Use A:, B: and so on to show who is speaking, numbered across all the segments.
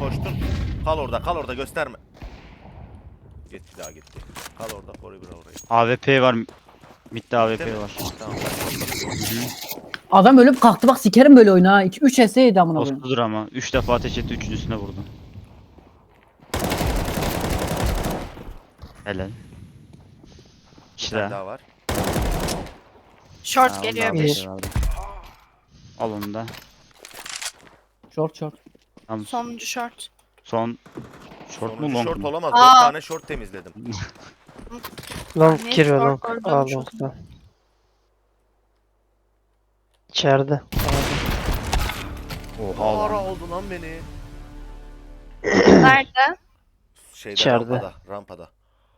A: Coştun. Kal orada gösterme. Gitti daha gitti. Kal orada koru bir orayı.
B: AWP var. Mid'de AWP
A: Değil mi?
B: var.
A: Tamam.
C: Adam ölüp kalktı bak sikerim böyle oyunu ha. 2-3 HS yedi amına koyayım.
B: Postudur ama. 3 defa ateş etti. Üçüncüsüne vurdu. Helal.
A: Bir
B: İşte.
A: tane daha var.
D: Short geliyor
B: bir.
D: bir.
B: Al onu da.
C: Short.
B: Tamam.
D: Sonuncu short.
B: Son. Short mu
A: Sonuncu
B: long
A: short
B: mu?
A: olamaz.
D: Aa.
A: 4 tane short temizledim.
E: Long
D: Ne
E: giriyor
D: short
E: long.
D: gördüm
E: Aa
D: çok.
E: long'da. İçeride.
B: Oha
A: Ara
B: lan.
A: oldu lan beni.
D: Nerede?
A: Şeyde
E: İçeride.
A: rampada.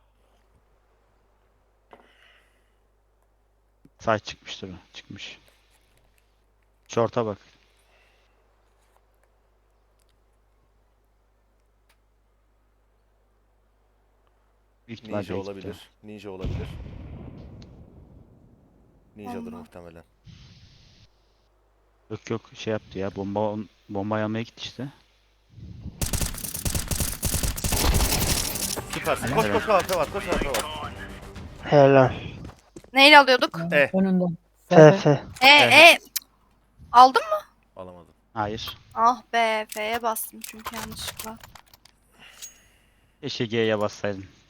B: Sağ çıkmıştır o. Çıkmış. Short'a bak. Büyük ihtimal
A: Ninja
B: belki
A: olabilir.
B: de.
A: Ninja olabilir. Ninja'dır
D: Allah.
A: muhtemelen.
B: Yok şey yaptı ya. Bomba almaya gitti işte.
A: Süpersin.
B: Helal
A: Koş
B: helal.
A: koş AWP var. Koş AWP var.
E: Helal.
D: Neyle alıyorduk?
C: Önünden.
E: FF.
D: E. Aldın mı?
A: Alamadım.
B: Hayır.
D: Ah be. F'ye bastım çünkü yanlışlıkla.
B: Keşke G'ye bassaydın.